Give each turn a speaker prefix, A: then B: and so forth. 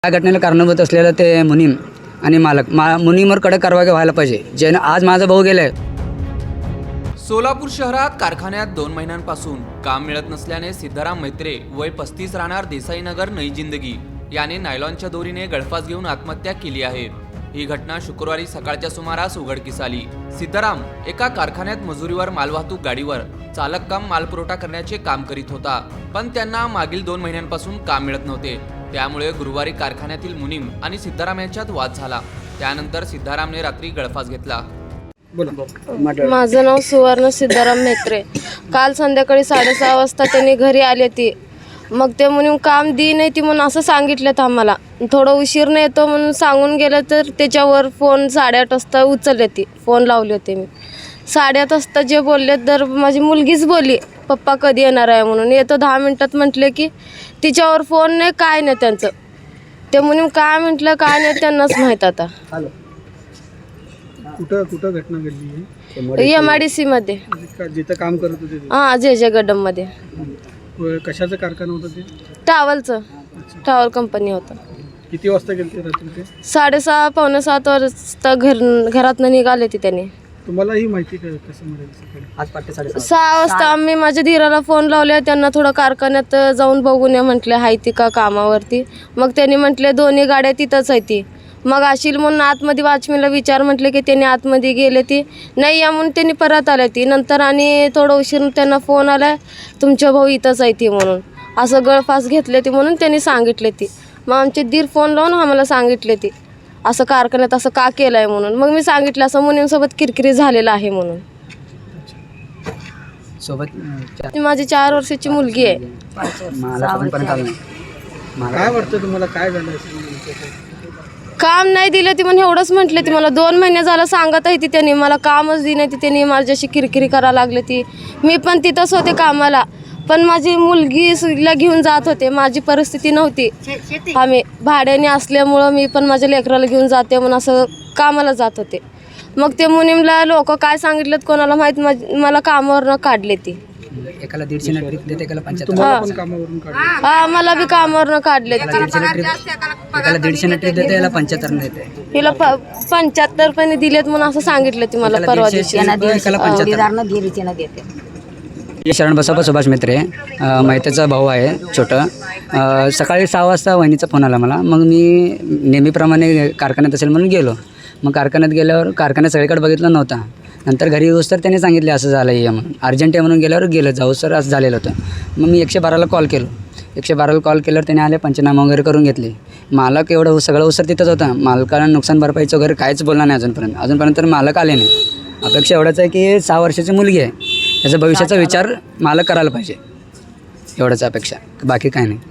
A: या घटनेला कारणीभूत असलेलं ते मुनीम आणि मालक मुनीमवर कडक कारवाई व्हायला पाहिजे. जे आज माझा भाऊ गेलाय.
B: सोलापूर शहरात कारखान्यात 2 महिन्यांपासून काम मिळत नसल्याने सिद्धाराम मैत्रे वय 35 राहणार देसाईनगर नई जिंदगी याने नायलॉनच्या दोरीने गळफास घेऊन आत्महत्या केली आहे. ही घटना शुक्रवारी सकाळच्या सुमारास उघडकीस आली. सिद्धाराम एका कारखान्यात मजुरीवर मालवाहतूक गाडीवर चालक काम मालपुरवठा करण्याचे काम करीत होता, पण त्यांना मागील 2 महिन्यांपासून काम मिळत नव्हते. त्यामुळे गुरुवारी कारखान्यातील मुनीम आणि सिद्धाराम यांच्यात वाद झाला. त्यानंतर सिद्धारामने रात्री गळफास घेतला.
C: माझं नाव सुवर्ण सिद्धाराम मैत्रे. काल संध्याकाळी 6:30 वाजता त्यांनी घरी आले ती. मग ते म्हणून काम दी नाही ती म्हणून असं सांगितलं आम्हाला. थोडं उशीर नाही येतो म्हणून सांगून गेलं तर त्याच्यावर फोन 8:30 वाजता उचलले ती. फोन लावले होते मी 8:30 वाजता. जे बोलले तर माझी मुलगीच बोलली पप्पा कधी येणार आहे म्हणून. येतो 10 मिनटात म्हटले की तिच्यावर फोन नाही काय नाही त्यांचं. ते म्हणून काय म्हटलं काय नाही त्यांनाच माहीत. आता
D: कुठं घटना घडली?
C: MIDC मध्ये
D: जिथं काम करत होते ते?
C: हां, जे गड्डममध्ये.
D: कशाचं कारखाना होतं ते?
C: टॉवलचं. टॉवल कंपनी होतं.
D: किती वाजता गेले रात्री ते?
C: 6:30 पावणे 7 वाजता घरातनं निघाले ती त्यांनी.
D: तुम्हाला ही माहिती कसं मिळाली?
A: आज पहाटे 6:30
C: 6 वाजता आम्ही माझ्या धीराला फोन लावले. त्यांना थोडं कारखान्यात जाऊन बघून या म्हटले आहे ती का कामावरती. मग त्यांनी म्हटले 2 गाड्या तिथंच आहे ती. मग अशील म्हणून आतमध्ये वॉचमॅनला विचार म्हटले की त्यांनी आतमध्ये गेले ती नाही या म्हणून त्यांनी परत आले ती. नंतर आणि थोडं उशीर त्यांना फोन आला तुमच्या भाऊ इथंच आहे ती म्हणून. असं गळफास घेतले ती म्हणून त्यांनी सांगितले ती. मग आमचे दीर फोन लावून आम्हाला सांगितले ती असं कारखान्यात असं का केलं आहे म्हणून. मग मी सांगितलं असं मुनींसोबत किरकिरी झालेलं आहे म्हणून.
A: सोबत
C: माझी 4 वर्षाची मुलगी आहे.
A: मला पण आलं नाही.
D: काय वाटतं तुम्हाला काय झालं?
C: काम नाही दिलं ती म्हणून एवढंच म्हटलं ती. मला 2 महिने झालं सांगत आहे ती त्यांनी. मला कामच दिली नाही ती. त्यांनी माझ्याशी किरकिरी करायला लागली ती. मी पण तिथंच होते कामाला, पण माझी मुलगीला घेऊन जात होते. माझी परिस्थिती नव्हती. आम्ही भाड्याने असल्यामुळं मी पण माझ्या लेकराला घेऊन जाते म्हणून असं कामाला जात होते. मग ते मुनीमला लोक काय सांगितलं कोणाला माहीत, मला कामावरनं काढले ती.
A: एकाला 150 ट्रिप देते, एकाला 75.
D: तुम्हाला पण कामावरून काढलं?
C: हा, मला बी कामावरनं काढले ती.
A: एकाला 150 ट्रिप देते, याला 75 देते.
C: हिला 75 रुपये दिलेत म्हणून असं सांगितलं ती मला परवा दिवशी.
A: शरण बसप्पा सुभाष मैत्रे मैत्रेचा भाऊ आहे छोटं. सकाळी 6 वाजता वहिनीचा फोन आला मला. मग मी नेहमीप्रमाणे कारखान्यात असेल म्हणून गेलो. मग कारखान्यात गेल्यावर कारखान्यात सगळीकडे बघितलं नव्हता. नंतर घरी येऊस तर त्याने सांगितले असं झालं आहे म्हणून. अर्जंट आहे म्हणून गेल्यावर गेलं जाऊ सर असं झालेलं होतं. मग मी 112ला कॉल केलो. 112ला कॉल केल्यावर त्याने आले पंचनामा वगैरे करून घेतली. मालक एवढं सगळं उसर तिथंच होता. मालकाला नुकसान भरपाईचं वगैरे काहीच बोलला नाही अजूनपर्यंत तर मालक आले नाही. अपेक्षा एवढंच आहे की 6 वर्षाची मुलगी आहे, याचा भविष्याचा विचार मालक करायला पाहिजे. एवढंच अपेक्षा, बाकी काय नाही.